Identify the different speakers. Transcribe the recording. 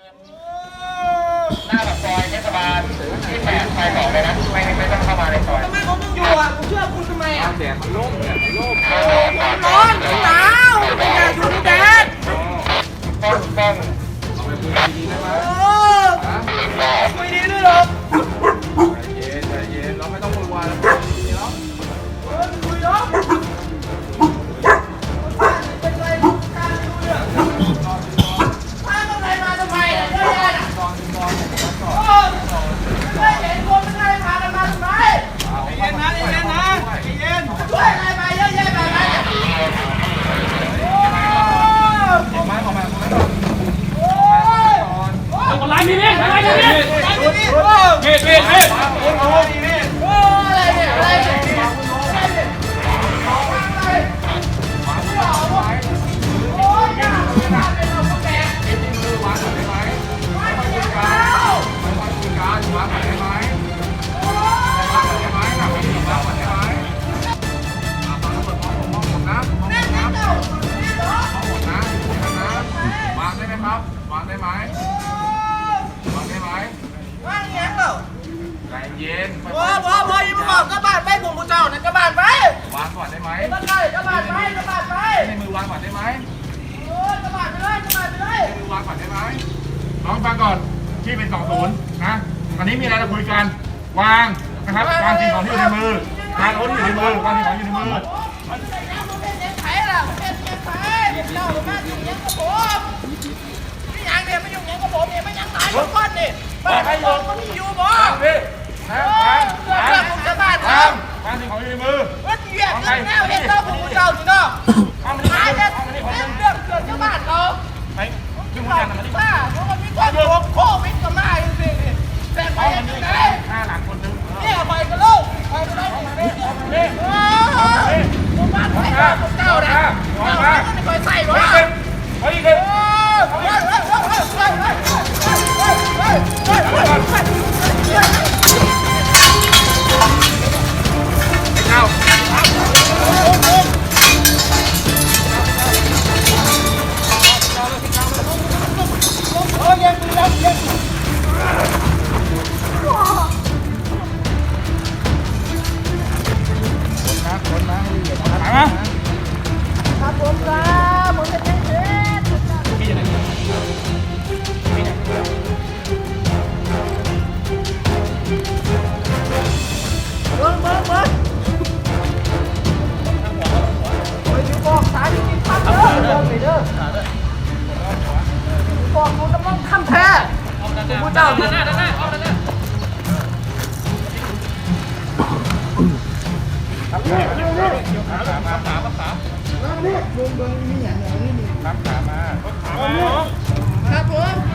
Speaker 1: หน้าปากซอยเทศบาลที่8ไป2เลยนะไม่ต้องเข้ามาในซอย
Speaker 2: ทำไมของมึงอยู่อ่ะกูเชื่อคุณทำไมอ่ะ
Speaker 3: แดดมันร่มแดดมันร่ม
Speaker 2: ร้อนหนาวอย่าอยู่ในแดด
Speaker 1: ต้อง
Speaker 3: เอาไปคุยดีๆได้ไหม
Speaker 2: คุยดีด้วยหรอ
Speaker 3: ใจเย็นเราไม่ต้องวุ่นวายแล้วคุยดีๆแล้ว
Speaker 2: คุยเนาะเป็นไรการดูเนี่ยถ้าต้องไรมาทำไมอ่ะเยอะแยะอ่ะไม่เห็นคนไม่ได้พากันมาทำไมเย็นนะเย็นนะเย็นช่วยอะไรมาเยอะแยะแบบนั้น
Speaker 4: คนร้ายมีมีดคนร้ายมีมีดมีด
Speaker 2: อะไรเนี่ยอะไรเนี่ยโอ้ยอย่าเป็นเราแก่
Speaker 3: วางก่อนได้ไหมวางก่อนได้ไหมวางก่อนได้ไหมหนักไปถึงวางก่อนได้ไหมตอนนั้นเปิดมองผมนะมองผมนะมองผมนะวางได้ไหมครับวางได้ไหมวางได้ไหม
Speaker 2: ว่างเงี้ยเหรอ
Speaker 3: ใจเย็น
Speaker 2: พออย่ามาบอกกระบาดไปผมกูเจ้านะกระบาดไป
Speaker 3: วางก่อนได้ไหม
Speaker 2: กระบาดไป
Speaker 3: ในมือวางก่อนได้ไหม
Speaker 2: กระบาดไปเลย
Speaker 3: ในมือวางก่อนได้ไหม
Speaker 1: น้องฟังก่อนที่เป็น20นะอันนี้มีอะไรเราคุยกันวางนะครับวางสิ่งของที่อยู่ในมือวางอาวุธที่อยู่ในมือวางสิ่งของที่อยู่ในมือ
Speaker 2: มันเป็นยังไงล่ะเป็นยังไงเจ้าหรือมาอยู่ยังกับผมนี่ยังเนี่ยไม่อยู่ยังกับผมเนี่ยไม่ยังไหนทุกคนนี่บ้านผมก็มีอยู่บ่
Speaker 1: พี่นะ
Speaker 2: เรื่องผมจะบ้านค
Speaker 1: วา
Speaker 2: รับ
Speaker 1: งวางสิ่งของอยู่ในมือ
Speaker 2: ว่าเหยียบเรื่องแนวเห็นเจ้าผมกูเจ้านี่เนาะ
Speaker 1: เอามานี่
Speaker 2: หา
Speaker 1: เอา
Speaker 2: เนี่ย
Speaker 1: มานี่
Speaker 2: เรื่องเกิดที่บ้านเรา
Speaker 1: ไปขึ้น
Speaker 2: บ้า
Speaker 1: มา
Speaker 2: น
Speaker 1: มาดิ
Speaker 2: ป้าเพราะมันมีคนโควิดก็มาจริงๆแต่ไป
Speaker 1: เอา
Speaker 2: ยั
Speaker 1: มาง นี่
Speaker 2: ไง
Speaker 1: ห้าหลังคนนึง
Speaker 2: เนี่ยไปกันลูกไปกันลูกผมบ้านใส่ผมเจ้านะเจ้าไม่ต้องคอยใส่หรอก
Speaker 1: เฮ้ยเฮ้ย เจ้า
Speaker 2: ครับผมครับผมจะเช็คเบิ้งไปดูบอกสายจริงๆครับเด้อบอกไปเด้อบอกกูจะต้องทำแท้กูเจ้าด้านหน้าเอาด้านหน้าครับผม